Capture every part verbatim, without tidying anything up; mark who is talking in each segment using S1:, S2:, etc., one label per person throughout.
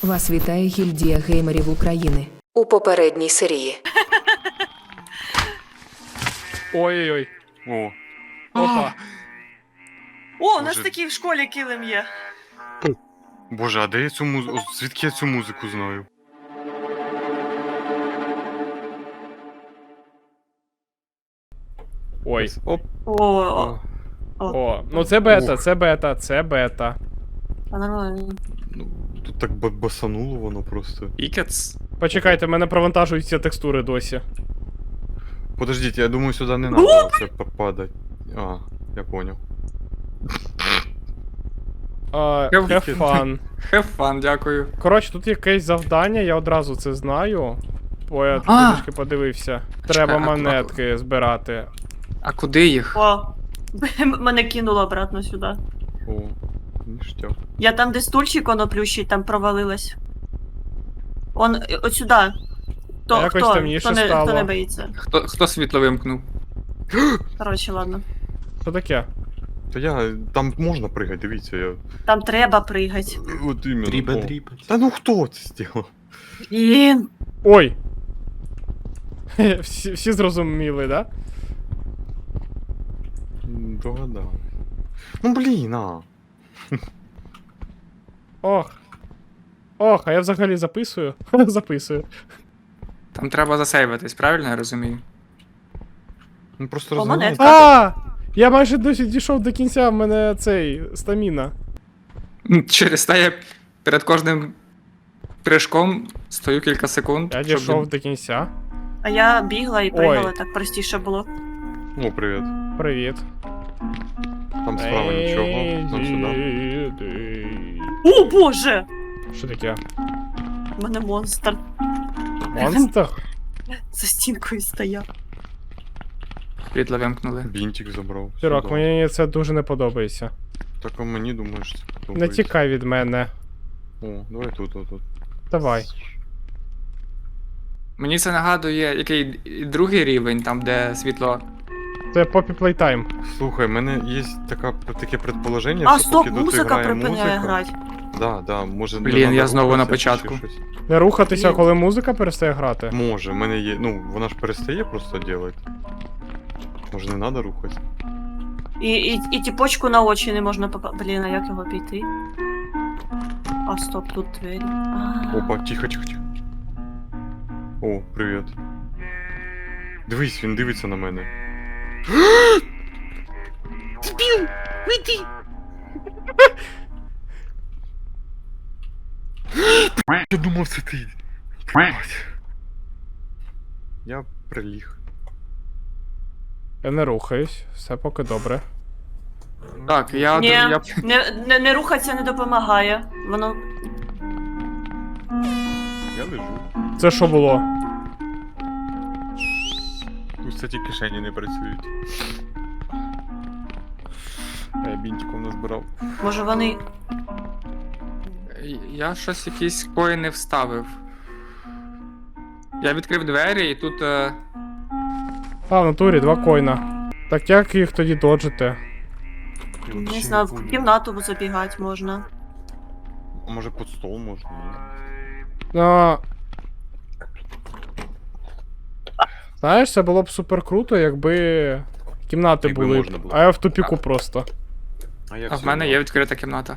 S1: Вас вітає гільдія геймерів України. У попередній серії.
S2: Ой-ой-ой.
S3: О.
S2: Опа.
S4: О, у нас
S3: Боже.
S4: такий в школі килим є.
S3: Боже, а де я цю музику? Звідки я цю музику знаю?
S2: Ой.
S3: Оп.
S4: О, о, о.
S2: О, ну це бета, це бета, це бета.
S4: Та нормально.
S3: Ну, тут так ба- басануло воно просто.
S5: Ікетс.
S2: Почекайте, в мене провантажуються текстури досі.
S3: Подождіть, я думаю, сюди не треба це попадать. А, я понял.
S2: Uh,
S5: Have
S2: have fun.
S5: Have fun, дякую.
S2: Коротше, тут якесь завдання, я одразу це знаю. Бо я
S5: А!
S2: трішки подивився. Треба
S5: Чекай, а-
S2: монетки збирати.
S5: А куди їх?
S4: О, мене кинуло обратно сюди.
S3: О, ніштяк.
S4: Я там, де стульчик воно плющить, там провалилась. Он, е, от сюди. Хто,
S2: А якось
S4: хто,
S2: темніше
S4: хто, не,
S2: стало.
S4: хто не боїться.
S5: Хто, хто світло вимкнув?
S4: Коротше, ладно.
S2: Що таке?
S3: Та я, там можна пригати, дивіться, я...
S4: Там треба пригати.
S3: От іменно.
S6: Дрібе,
S3: О.
S6: дрібе.
S3: Та ну хто це зробив?
S4: Блін.
S2: Ой! всі, всі зрозуміли, да?
S3: М, Догадав. Ну блін, а.
S2: Ох. Ох, а я взагалі записую. Записую.
S5: Там треба засейвитись, правильно я розумію?
S3: Ну просто
S4: О,
S3: розгоняйте.
S4: монетка.
S2: А! Я майже досі дійшов до кінця, в мене цей стаміна.
S5: М, Через те я перед кожним прыжком стою кілька секунд.
S2: Я
S5: щоб
S2: дійшов
S5: він-
S2: до кінця.
S4: А я бігла і
S2: Ой.
S4: пригала, так простіше було.
S3: О, привіт.
S2: Привіт.
S3: Там справа нічого. Нам сюди.
S4: О, боже!
S2: Що таке?
S4: У мене монстр
S2: Монстр?
S4: за стінкою стояв.
S5: Світло вимкнули.
S3: Бінтик забрав.
S2: Сірок,
S3: Сюди.
S2: мені це дуже не подобається.
S3: Так а мені думаєш, це
S2: Не
S3: подобається.
S2: тікай від мене.
S3: О, давай тут, тут, тут.
S2: Давай.
S5: Мені це нагадує який і другий рівень, там де світло.
S2: Це Poppy Playtime.
S3: Слухай, в мене є така, таке предположення,
S4: А,
S3: що
S4: стоп,
S3: поки тут
S4: музика
S3: грає
S4: припиняє
S3: музика...
S4: грати.
S3: Да, да, може не
S5: Блін,
S3: надо
S5: я знову на
S3: рухатися чи
S5: початку.
S3: щось.
S2: Не рухатися,
S4: Блін.
S2: коли музика перестає грати.
S3: Може, в мене є. Ну, вона ж перестає просто робити. Може не треба рухатися.
S4: І, і, і тіпочку на очі не можна попа... Блін, а як його піти? А, стоп, тут двері. А.
S3: Опа, тихо, тихо, тихо. О, привіт. Дивись, він дивиться на мене. Спів! Вийди! Я думав, це ти. Я приліг.
S2: Я не рухаюсь, все поки добре.
S5: Так, я.
S4: Ні,
S5: я...
S4: не, не, не рухатися не допомагає. Воно.
S3: Я лежу.
S2: Це що було?
S3: Тут, кстати, кишені не працюють. А я бінтиком назбирав.
S4: Може вони.
S5: Я щось якісь коїни вставив. Я відкрив двері і тут. Е...
S2: А, в натурі, два койна. Так як їх тоді доджити?
S4: Не знаю, в кімнату забігати можна.
S3: А може під стол можна, ні?
S2: Ну... Знаєш, це було б супер круто, якби кімнати
S3: Якби
S2: були,
S3: можна було.
S2: а я в тупіку просто.
S5: А в мене є відкрита кімната.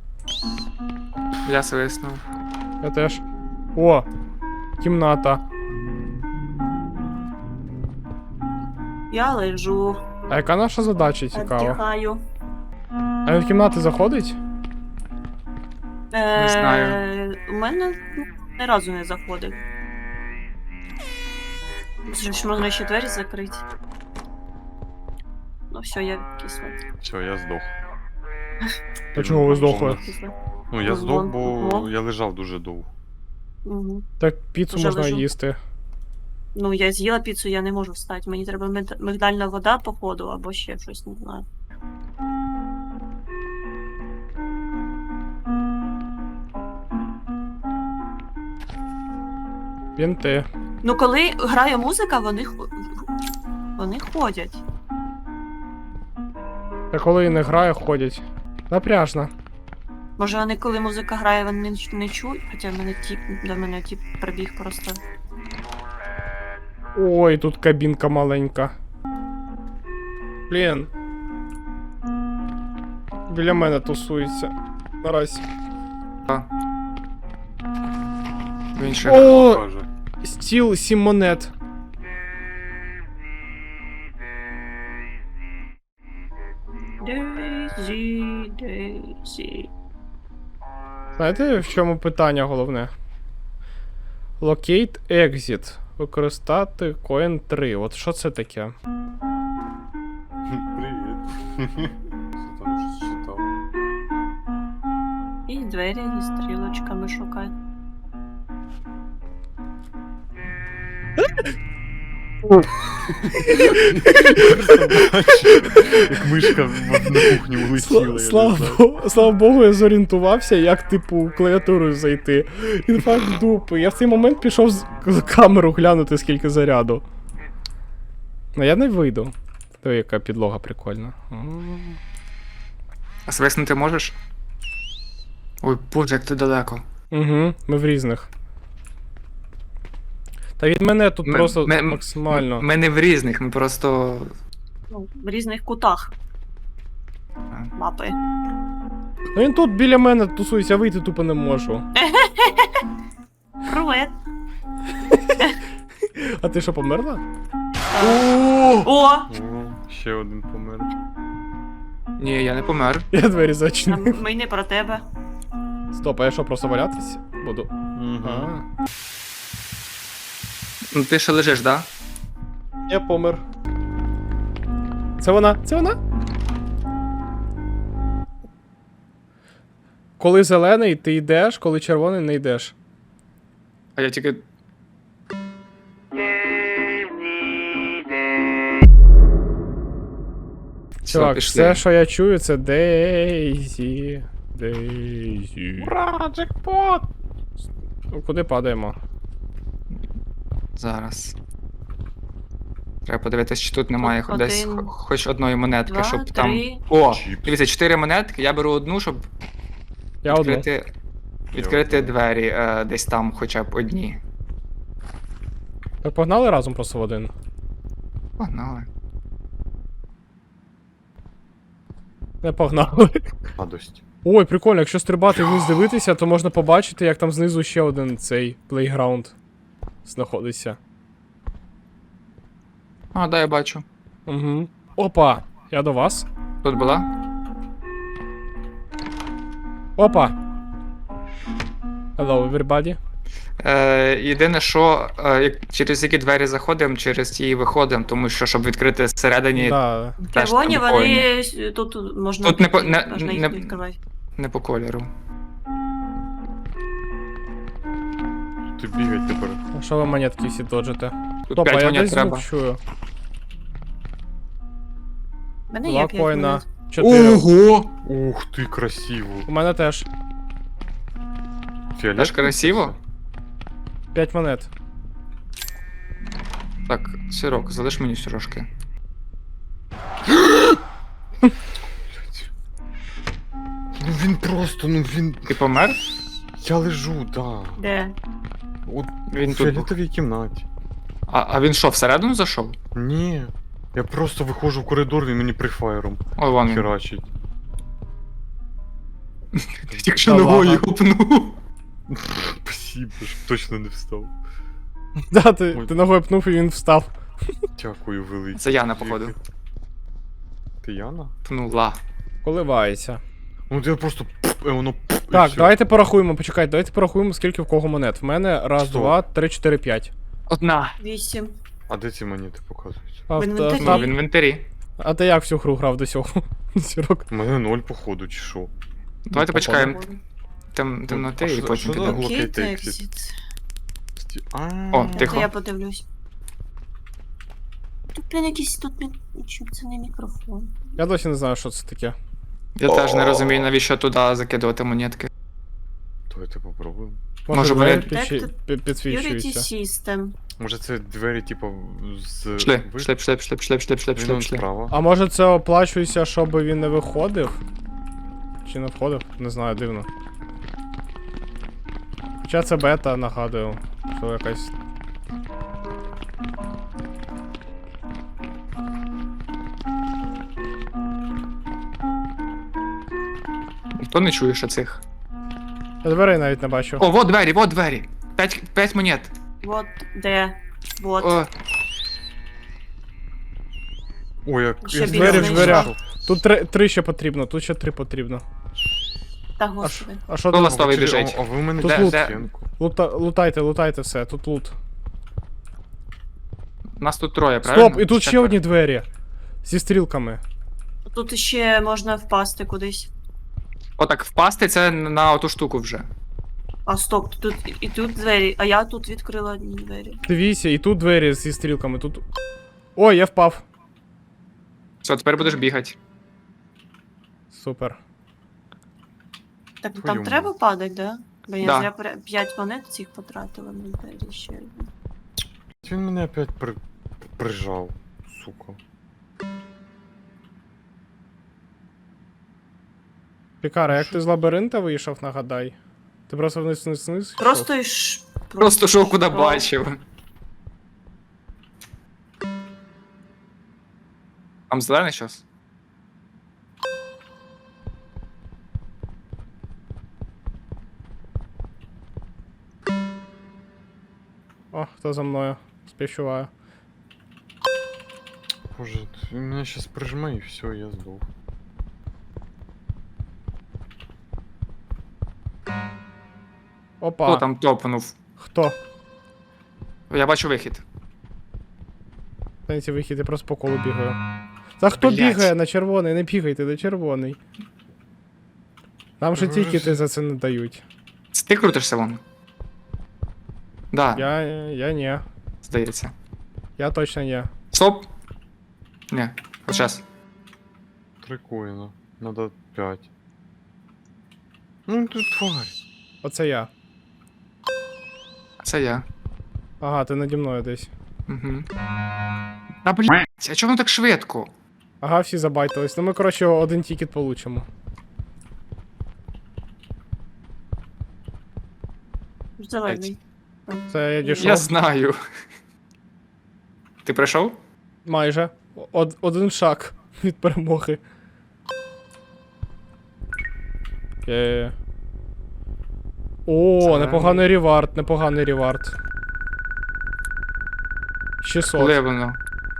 S5: Я свиснув.
S2: Я теж. О! Кімната.
S4: Я лежу,
S2: А яка наша задача, цікаво?
S4: віддихаю.
S2: А він в кімнати заходить?
S4: Е,
S5: знаю.
S4: У мене ну, ні разу не заходив. Може, ж можна ще двері закрити. Ну все, я кисла.
S3: Все, я здох.
S2: А чого ви здохли?
S4: кисла.
S3: Ну, я
S4: Ну,
S3: здох,
S4: вон,
S3: бо
S4: вон.
S3: я лежав дуже довго.
S4: Угу.
S2: Так піцу
S4: Уже
S2: можна
S4: лежу.
S2: їсти.
S4: Ну, я з'їла піцу, я не можу встати. Мені треба миг- мигдальна вода, походу, або ще щось, не знаю.
S2: Бінти.
S4: Ну, коли грає музика, вони, хо- вони ходять.
S2: Та коли не грає, ходять. Напряжно.
S4: Може вони, коли музика грає, вони не, не чують, хоча в мене тіп, до мене тіп прибіг просто.
S2: Ой, тут кабінка маленька. Блін. Біля мене тусується. Наразі.
S5: Він ще
S2: О,
S3: Каже.
S2: стіл сім монет.
S4: Дейзі, Дейзі.
S2: Знаєте, в чому питання головне? Locate Exit. Використати Coin три. От що це таке?
S3: Привіт. Що там щось читав?
S4: І двері, і стрілочками шукати.
S3: Як мишка в- на кухню улетіла. я не
S2: Слава,
S3: знаю.
S2: Богу, слава Богу, я зорієнтувався, як, типу, клавіатурою зайти. Інфаркт дупи. Я в цей момент пішов з з камеру глянути, скільки заряду. Ну я не вийду. То яка підлога прикольна. М.
S5: А свиснути можеш? Ой, боже, як ти далеко.
S2: Угу, ми в різних. Та від мене тут
S5: Ми-
S2: просто
S5: ми-
S2: максимально.
S5: Ми не в різних, ми просто.
S4: Ну, в різних кутах мапи.
S2: Ну він тут біля мене тусується, а вийти тупо не можу.
S4: Привет.
S2: А ти що, померла?
S4: О!
S3: О, ще один помер.
S5: Ні, я не помер.
S2: Я двері
S4: А
S2: зачинив.
S4: Ми не про тебе.
S2: Стоп, а я що, просто валятись буду? А.
S5: Ну ти ще лежиш, да?
S2: Я помер. Це вона, це вона. Коли зелений, ти йдеш, коли червоний, не йдеш.
S5: А я тільки.
S2: Чувак,
S5: пішли.
S2: все, що я чую, це Дейзі. Дейзі.
S3: Ура, джекпот!
S2: Ну, куди падаємо?
S5: Зараз. Треба подивитись, чи тут немає
S4: Один,
S5: десь хо- хоч одної монетки,
S4: два,
S5: щоб там.
S4: три.
S5: О!
S3: Чіпс.
S5: Дивіться, чотири монетки, я беру одну, щоб
S2: Я одну.
S5: відкрити. Відкрити
S3: одну.
S5: двері е, десь там хоча б одні.
S2: Ми погнали разом просто в один.
S5: Погнали.
S2: Не погнали.
S3: Радость.
S2: Ой, прикольно, якщо стрибати вниз дивитися, то можна побачити, як там знизу ще один цей плейграунд знаходиться.
S5: А, да, я бачу.
S2: Угу. Опа! Я до вас.
S5: Тут була?
S2: Опа! Hello, everybody.
S5: Е, єдине, що е, як- через які двері заходимо, через ті і виходимо, тому що щоб відкрити всередині,
S2: Да.
S5: теж
S4: Червоні,
S5: треба
S4: вони
S5: коїни.
S4: с- тут тут можна
S5: Тут не по-
S4: піти,
S5: не-
S4: можна їх
S5: не-
S4: не відкривати.
S5: Не по кольору.
S3: Ти бігать тепер.
S2: А що ви монетки всі доджите?
S5: Тут
S2: Опа,
S5: п'ять
S2: я
S5: монет
S2: десь
S5: треба.
S2: звук чую.
S4: У мене
S2: Два
S4: є п'ять
S2: коїна.
S4: монет.
S2: Чотири.
S5: Ого!
S3: Ух ти, красиво.
S2: У мене теж.
S3: Фіолет.
S5: Теж красиво?
S2: П'ять монет.
S5: Так, сирок, залиш мені сирожки.
S3: Ну він просто, ну він.
S5: Ти помер?
S3: Я лежу, да.
S4: Де?
S3: От
S5: Він
S3: в
S5: тут. був.
S3: фіолетовій кімнаті.
S5: А, а він що, всередину зайшов?
S3: Ні. Я просто виходжу в коридор, він мені прифайром
S5: Ой, вон він.
S3: херачить.
S5: Тільки що
S2: Та
S5: ногою
S2: ладно.
S5: гупнув.
S3: Спасибо, щоб точно не встав.
S2: Да, ти,
S3: Ой.
S2: ти ногою пнув і він встав.
S3: Дякую, велике.
S5: Це Яна, походу.
S3: Ти Яна?
S5: Пнула.
S2: Коливається.
S3: Ну я просто пф, і воно пф, і
S2: Так,
S3: всьо.
S2: давайте порахуємо, почекайте, давайте порахуємо, скільки в кого монет. В мене раз,
S3: Сто.
S2: два, три, чотири, п'ять.
S5: Одна.
S4: Вісім.
S3: А де ці монети показуються?
S2: А,
S4: В
S2: та-
S4: інвентарі.
S5: Ну,
S2: та-
S5: в інвентарі.
S2: а ти як всю гру грав до цього? Сірок.
S3: У мене ноль, походу, чи що?
S5: Давайте
S2: Ну,
S5: почекаємо тем, темноти
S3: а
S5: і
S3: що-
S5: потім
S3: що за
S5: підемо.
S3: гл-
S4: Окей,
S3: Locate exit.
S4: exit.
S3: Сті- А,
S5: О,
S4: Це
S5: Тихо.
S4: я подивлюсь. Тут блін якийсь тут мі- чим це не мікрофон.
S2: Я досі не знаю, що це таке.
S5: Я теж не розумію, навіщо туди закидувати монетки.
S3: Давайте попробуємо.
S2: Може,
S5: Може,
S2: двері
S5: вони-
S2: підсві-
S4: Так,
S2: пі-
S4: Purity
S2: підсвічуються.
S4: System.
S3: Може це двері, типу, з...
S5: Пішли,
S3: ви-
S5: пішли, пішли, пішли, пішли, пішли, пішли,
S3: Він
S5: пішли,
S3: он
S5: пішли.
S3: справа.
S2: А може це оплачується, щоб він не виходив? Чи не входив? Не знаю, дивно. Хоча це бета, нагадую, що якась.
S5: Ніхто не чує ще цих.
S2: Я дверей навіть не бачу.
S5: О, вот двері, вот двері. П'ять, п'ять монет.
S4: Вот де. Вот.
S5: О,
S3: Ой, як...
S4: Ще
S3: я
S4: біля
S2: Двері в
S4: знайшла.
S2: дверях. Тут три, три ще потрібно, тут ще три потрібно.
S4: Та
S2: А, ш-
S4: господи.
S2: а що
S5: Хто
S2: тут?
S5: вас Ластовий
S3: А,
S5: біжить.
S3: А ви мене
S2: Тут
S3: де-
S2: лут.
S3: де- стінку.
S2: Лута, лутайте, лутайте все, тут лут.
S5: нас тут троє, правильно?
S2: Стоп, і тут ще
S5: Четверо.
S2: одні двері. Зі стрілками.
S4: Тут ще можна впасти кудись.
S5: Отак, впасти це на оту штуку вже.
S4: А стоп, тут і- і тут двері, а я тут відкрила одні двері.
S2: Дивіться, і тут двері зі стрілками, тут. Ой, я впав.
S5: Все, тепер будеш бігати.
S2: Супер.
S4: Так
S3: Твою
S4: там
S3: мать.
S4: треба падати, да? Бо я
S5: Да.
S4: зря п'ять п'ять монет цих потратила на двері ще.
S3: Він мене опять при... прижав, сука.
S2: Пікара, як ти з лабіринта вийшов, нагадай? Ти просто вниз вниз вниз? йшов?
S4: Просто йш...
S5: Просто шов куди
S4: йшов.
S5: бачив. Там зелений щас?
S2: О, хто за мною? Співчуваю.
S3: Боже, він мене щас прижме і все, я здох.
S2: Опа.
S5: Хто там топнув?
S2: Хто?
S5: Я бачу вихід.
S2: Знаєте, вихід, я просто по колу бігаю. Та хто
S5: Блядь.
S2: бігає на червоний? Не бігайте на червоний. Нам же
S3: Ви
S2: тільки
S3: ж-
S2: ти за це не дають.
S5: Це ти крутишся вон? Да,
S2: Я. я ні.
S5: здається.
S2: Я точно ні.
S5: Стоп! Ні, от щас.
S3: Три коїна. Надо п'ять. Ну ти тварь.
S2: Оце я.
S5: Це я.
S2: Ага, ти наді мною десь.
S5: Угу. Та блять, а чого воно так швидко?
S2: Ага, всі забайтились. Ну ми, коротше, один тікет получимо.
S4: Зелений.
S2: Це я дійшов.
S5: Я знаю. Ти прийшов?
S2: Майже. Од- один шаг від перемоги. Є. О,
S5: Зелений.
S2: непоганий ревард, непоганий ревард. шістсот.
S5: Коли воно?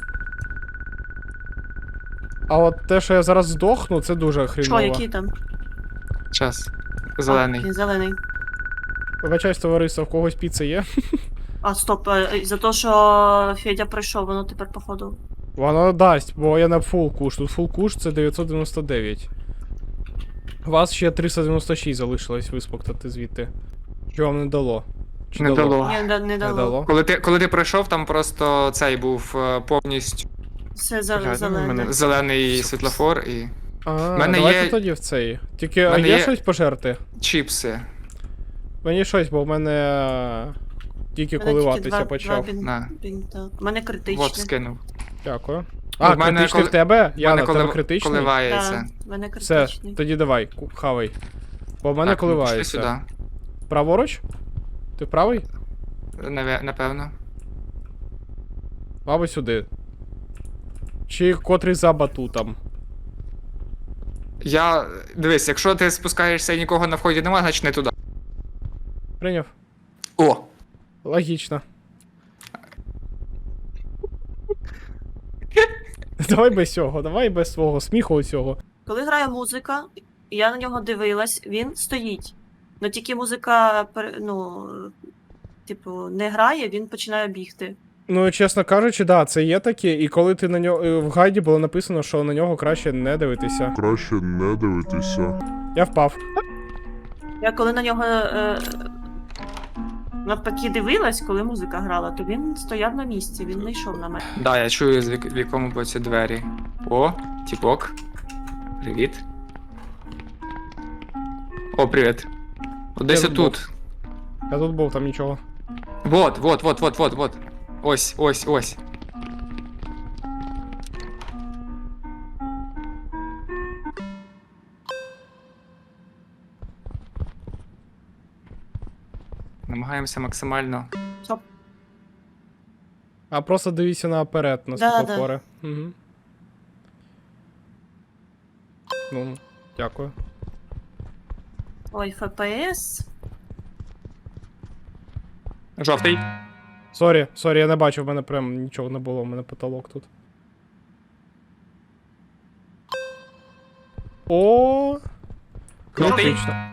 S2: А от те, що я зараз здохну, це дуже
S4: Що,
S2: хріново.
S4: які там?
S5: Час.
S4: А,
S5: Зелений.
S4: він зелений.
S2: Вибачаюсь, товариство, в когось піца є?
S4: А, стоп, е, за те, що Федя прийшов, воно тепер походу.
S2: Воно дасть, бо я на фул куш. Тут фул куш це дев'ятсот дев'яносто дев'ять. У вас ще триста дев'яносто шість залишилось виспоктати звідти. Що вам не дало? Чи
S5: Не дало.
S4: Ні, не, не
S2: Не
S4: дало.
S2: дало.
S5: Коли ти, коли ти прийшов, там просто цей був е, повністю
S4: Все
S3: Блядь, ну,
S4: зел- зелене.
S3: мене-
S5: зелений світлофор і
S2: А,
S5: мене
S2: давайте
S5: є-
S2: тоді в цей. Тільки а
S5: мене
S2: є
S5: є-
S2: щось пожерти?
S5: чіпси.
S2: Мені щось, бо в мене е, тільки
S4: Мене тільки
S2: коливатися
S4: два-
S2: почав.
S4: два бін-
S5: На.
S4: бінта. У мене критичне.
S5: Вот, скинув.
S2: Дякую.
S5: Ну,
S2: А,
S5: в мене
S2: критичний
S5: коли-
S2: в тебе?
S5: У
S2: Яна,
S5: мене
S2: в тебе
S5: колив-
S2: критичний?
S5: коливається.
S4: Да, в мене
S2: Все,
S4: критичний.
S2: тоді давай, ку- хавай. Бо в мене
S5: Так, ну, пішли
S2: коливається.
S5: сюди.
S2: Праворуч? Ти правий?
S5: Наве- Напевно.
S2: Мабуть, сюди. Чи котрий за батутом?
S5: Я. Дивись, якщо ти спускаєшся і нікого на вході немає, значить не туди.
S2: Прийняв?
S5: О!
S2: Логічно. Давай без цього, давай без свого сміху цього.
S4: Коли грає музика, і я на нього дивилась, він стоїть. Ну тільки музика, пере- ну, типу, не грає, він починає бігти.
S2: Ну, чесно кажучи, да, це є таке, і коли ти на нього. В гайді було написано, що на нього краще не дивитися.
S6: Краще не дивитися.
S2: Я впав.
S4: Я коли на нього е, навпаки дивилась, коли музика грала, то він стояв на місці, він не йшов на мене.
S5: Да, я чую, з вік- в якому боці двері. О, тіпок. Привіт. О, привіт. От десь
S2: Я тут
S5: отут.
S2: Я тут був, там нічого.
S5: Вот, вот, вот, вот, вот, вот. Ось, ось, ось. намагаємося максимально.
S4: Стоп.
S2: А просто дивіться наперед на
S4: Да,
S2: світлофори. Угу. Ну, дякую.
S4: Ой, еф пе ес.
S5: Жовтий.
S2: Сорі, сорі, я не бачив, в мене прям нічого не було, в мене потолок тут. О,
S5: Жовтий.
S2: критично.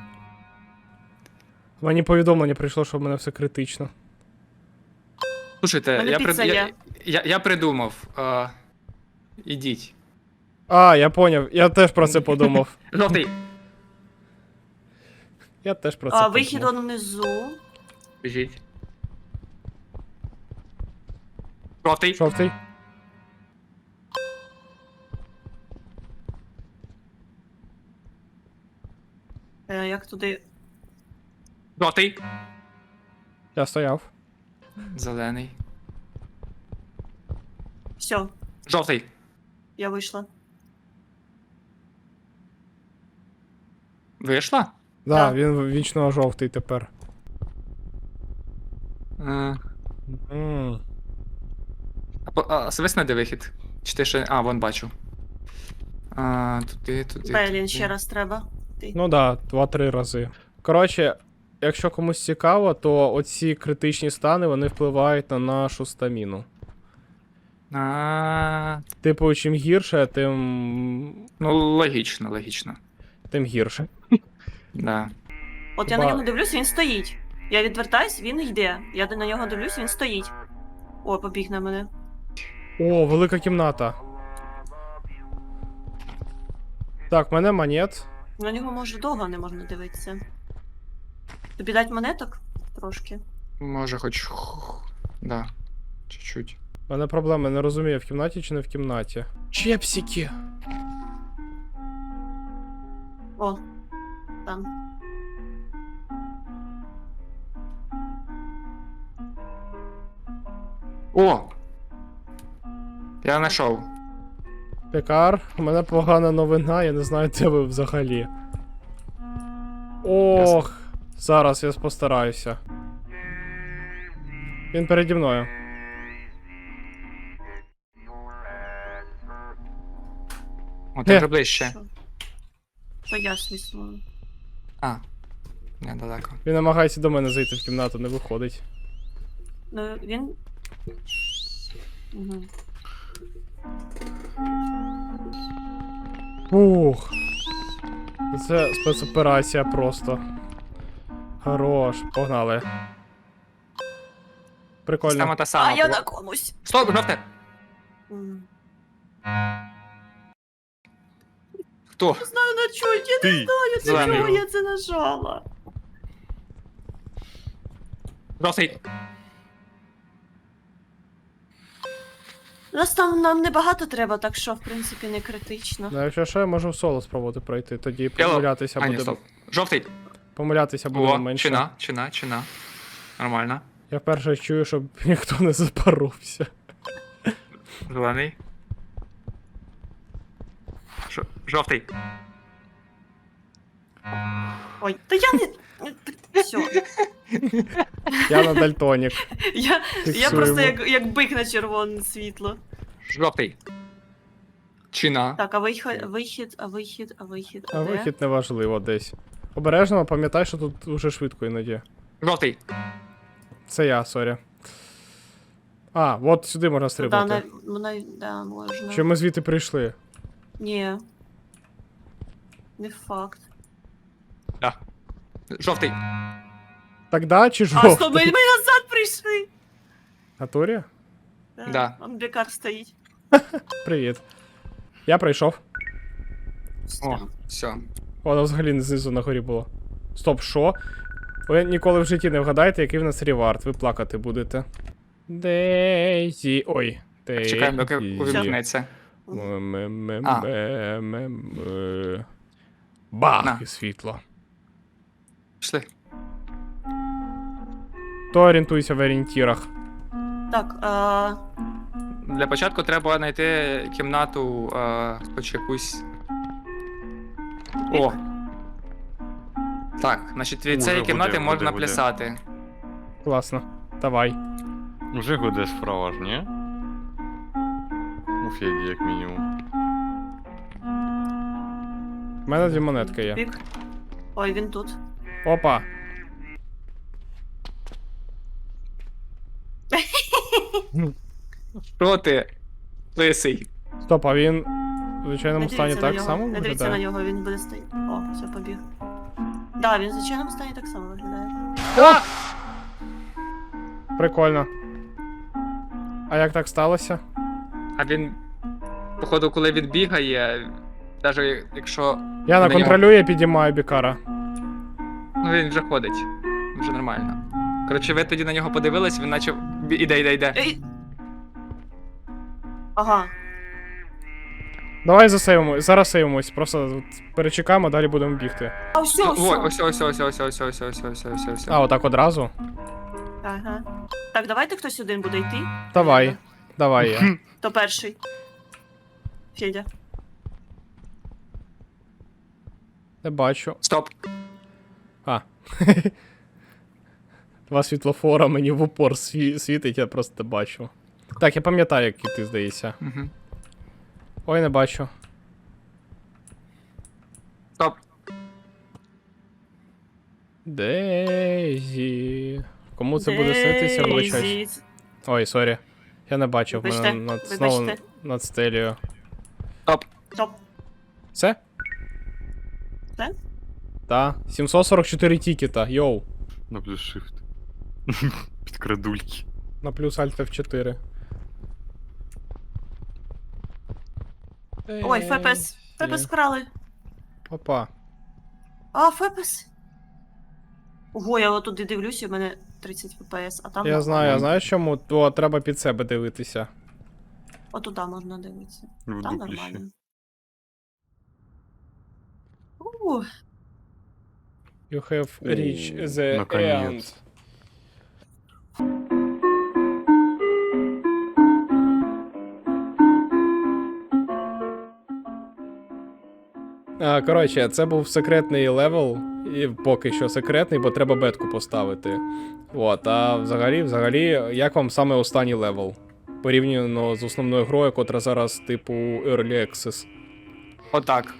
S2: Мені повідомлення прийшло, що в мене все критично.
S5: Слушайте,
S4: Мене
S5: я,
S4: піца
S5: при... я,
S4: є.
S5: я, я придумав. А... Ідіть.
S2: А, я поняв, я теж про це подумав.
S5: Жовтий.
S2: Я теж про це
S4: А,
S2: подумав.
S4: вихід он внизу.
S5: Біжіть. Жовтий.
S2: Жовтий.
S4: Е, як туди.
S5: Жовтий.
S2: Я стояв.
S5: Зелений.
S4: Все,
S5: Жовтий.
S4: я вийшла.
S5: Вийшла?
S2: Да,
S4: Да.
S2: він вічно жовтий тепер.
S5: Е,
S2: М.
S5: А, по- а свисне де вихід? Чи ти ще. А, вон бачу. А, туди, туди.
S4: Белін,
S5: туди.
S4: ще раз треба. Ти.
S2: Ну да, два-три рази. Коротше, якщо комусь цікаво, то оці критичні стани вони впливають на нашу стаміну.
S5: А,
S2: Типу, чим гірше, тим.
S5: ну, логічно, логічно.
S2: тим гірше.
S5: Да.
S4: От я
S2: Ба-
S4: на нього дивлюсь, він стоїть. Я відвертаюсь, він йде. Я на нього дивлюсь, він стоїть. О, побіг на мене.
S2: О, велика кімната. Так, в мене монет.
S4: На нього може довго не можна дивитися. Тобі дать монеток? Трошки.
S5: Може, хоч. Да. Чуть-чуть.
S2: У мене проблема, не розумію, в кімнаті чи не в кімнаті. Чепсики.
S4: О, там.
S5: О! Я знайшов.
S2: Пекар, у мене погана новина, я не знаю, де ви взагалі. Ох, зараз я постараюся. Він переді мною.
S5: О, ти
S2: Е.
S5: вже ближче.
S4: Що? То я свиснула.
S5: А. Недалеко.
S2: Він намагається до мене зайти в кімнату, не виходить.
S4: Ну, він. Угу.
S2: Ух. Це спецоперація просто. Хорош, погнали. Прикольно.
S5: Система та
S4: А
S5: сама.
S4: я
S5: Бо-
S4: на комусь.
S5: Стоп, жовте!
S4: М.
S5: Хто?
S4: Не знаю на чого, я не
S3: Ти.
S4: знаю, на
S5: Зелений.
S4: чого я це нажала.
S5: Жовтий.
S4: Нас там нам небагато треба, так що, в принципі, не критично.
S2: Ну, якщо що, я можу в соло спробувати пройти, тоді
S5: Біло.
S2: помилятися
S5: А, ні,
S2: буде.
S5: стоп. Жовтий.
S2: Помилятися буде
S5: О,
S2: менше.
S5: чина, чина, чина. Нормально.
S2: Я вперше чую, щоб ніхто не запоровся.
S5: Зелений. Жо- Жовтий.
S4: Ой, та я не. Все.
S2: Я на дальтонік.
S4: Я, я
S2: Фіксуємо.
S4: просто як, як бик на червоне світло.
S5: Жовтий. Чина.
S4: Так, а вихід, вихід, а вихід, а вихід, а,
S2: А
S4: де?
S2: вихід неважливо десь. Обережно, пам'ятай, що тут уже швидко іноді.
S5: Жовтий.
S2: Це я, сорі. А, от сюди можна
S4: Да,
S2: стрибати.
S4: на, на, да, можна.
S2: Чи ми звідти прийшли?
S4: Ні. Не факт.
S5: Да. Жовтий.
S2: Так да, чи
S4: А,
S2: жовтий?
S4: стоп, ми, ми назад прийшли!
S2: Натурі?
S5: Да.
S4: Он бекар стоїть.
S2: Привіт. Я прийшов.
S5: О, все.
S2: Воно взагалі знизу на горі було. Стоп, що? Ви ніколи в житті не вгадаєте, який в нас ревард. Ви плакати будете. Дейзі. Ой. Дейзі.
S5: Чекаємо, доки увімкнеться.
S2: М-м-м-м-м. Бах!
S5: На.
S2: І світло.
S5: Пішли.
S2: То орієнтуйся в орієнтірах.
S4: Так, а...
S5: Для початку треба знайти кімнату, а, хоч якусь. О! Так, значить від
S3: Уже
S5: цієї
S3: буде,
S5: кімнати
S3: буде,
S5: можна
S3: буде.
S5: плясати.
S2: Класно. Давай.
S3: Уже годе справа ж, ні? У Феді, як мінімум.
S2: У мене дві монетки є.
S4: Бік. Ой, він тут.
S2: Опа.
S5: Що ти? Лисий.
S2: Стоп, а він в звичайному
S4: Не
S2: стані
S4: дивіться на
S2: так
S4: нього.
S2: само
S4: Не дивіться на
S2: виглядає?
S4: нього, він буде стояти. О, все, побіг. Да, він в звичайному стані так само виглядає.
S2: О! Прикольно. А як так сталося?
S5: А він, походу, коли він бігає, навіть якщо.
S2: Я
S5: на
S2: на контролює, підіймаю бікара.
S5: Ну він вже ходить. Вже нормально. Коротше, ви тоді на нього подивились, він наче. бі- Іде, іде, іде.
S4: Ей! Ага.
S2: Давай засейвимо, зараз сейвимось, просто от перечекаємо, далі будемо бігти.
S4: А, все,
S5: Ну,
S4: все.
S5: Ой, ось, ось, ось, ось, ось, ось, ось, ось, ось, ось.
S2: А, отак одразу?
S4: Ага. Так, давайте хтось один буде йти.
S2: Давай. Давай я.
S4: То перший. Федя.
S2: Не бачу.
S5: Стоп.
S2: А. Два світлофора мені в упор сві- світить, я просто не бачу. Так, я пам'ятаю, як ти, здається.
S5: Угу.
S2: Ой, не бачу.
S5: Стоп.
S2: Дейзі. Кому це буде снитися, вибачаюсь.
S4: Дейзі.
S2: Ой, сорі. Я не бачив, в мене
S4: Вибачте,
S2: над, знову
S4: вибачте.
S2: над стелею.
S5: Стоп.
S4: Стоп.
S2: Все?
S4: Все?
S2: Так. сімсот сорок чотири тікета, йоу.
S3: На плюс shift. Підкрадульки.
S2: На плюс Alt еф чотири.
S4: Ой, Фепес. Фепес вкрали.
S2: Опа.
S4: А, Фепес. Ого, я отуди дивлюся, у мене тридцять фпс, а там...
S2: Я знаю, я знаю чому, то треба під себе дивитися.
S4: Отуда можна дивитися.
S3: В
S4: Там
S3: дуплі ще.
S4: нормально. У,
S2: You have reached the
S3: наконец.
S2: end. А, коротше, це був секретний левел, і поки що секретний, бо треба бетку поставити. От, а взагалі, взагалі, як вам саме останній левел? Порівняно з основною грою, котра зараз, типу, Early Access.
S5: Отак.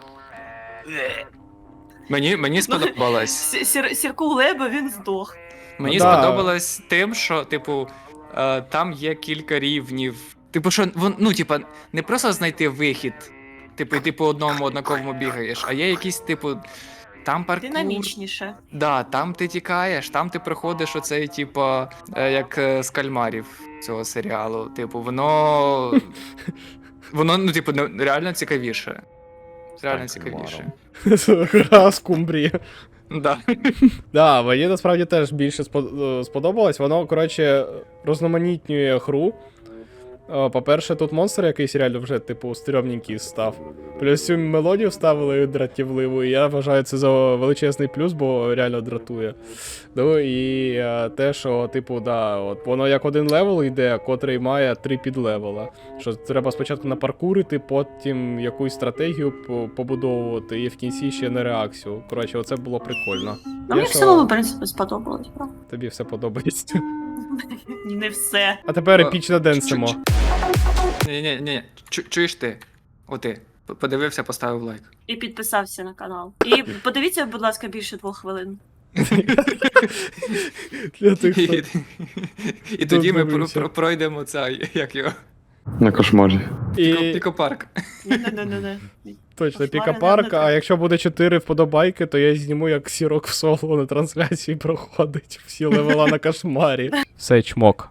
S5: Мені, мені сподобалось.
S4: Сі- Сір, Сірку Леба, він здох.
S5: Мені
S2: Да.
S5: сподобалось тим, що, типу, е, там є кілька рівнів. Типу, що вон, ну, типа, не просто знайти вихід, типу, і ти по одному однаковому бігаєш, а є якісь, типу, там паркур.
S4: Динамічніше.
S5: Да, там ти тікаєш, там ти проходиш оцей, типу, е, як е, з кальмарів цього серіалу. Типу, воно. Воно, ну, типу, не- реально цікавіше. Реально
S3: Стань
S5: цікавіше.
S2: Гра скумбрії.
S5: Да.
S2: Да, мені насправді теж більше спо- е, сподобалось. Воно, коротше, розноманітнює гру. Е, По-перше, тут монстр якийсь реально вже, типу, стрьомненький став. Плюс цю мелодію вставили дратівливу, і я вважаю це за величезний плюс, бо реально дратує. Ну і е, те, що, типу, да, от воно як один левел йде, котрий має три підлевела. Що треба спочатку напаркурити, потім якусь стратегію по- побудовувати, і в кінці ще на реакцію. Коротше, оце було прикольно.
S4: Ну,
S2: Я
S4: мені в
S2: що,
S4: цілому, в принципі, сподобалось, правда?
S2: Тобі все подобається.
S4: Не все.
S2: А тепер
S5: Е,
S2: епічно денсимо.
S5: Ні, ні, ні. Чуєш ти? О, ти. П- Подивився, поставив лайк.
S4: І підписався на канал. І подивіться, будь ласка, більше двох хвилин.
S2: Для тих,
S5: І,
S2: хто...
S5: і тоді ми про-
S2: дивився.
S5: про- пройдемо цей, як його,
S3: На кошмарі.
S5: Піко-
S2: І
S5: пікопарк.
S4: Не-не-не-не.
S2: точно,
S4: Кошмари
S2: пікапарк,
S4: не
S2: а
S4: треба.
S2: якщо буде чотири вподобайки, то я зніму, як сірок в соло на трансляції проходить всі левела на кошмарі. Все, чмок.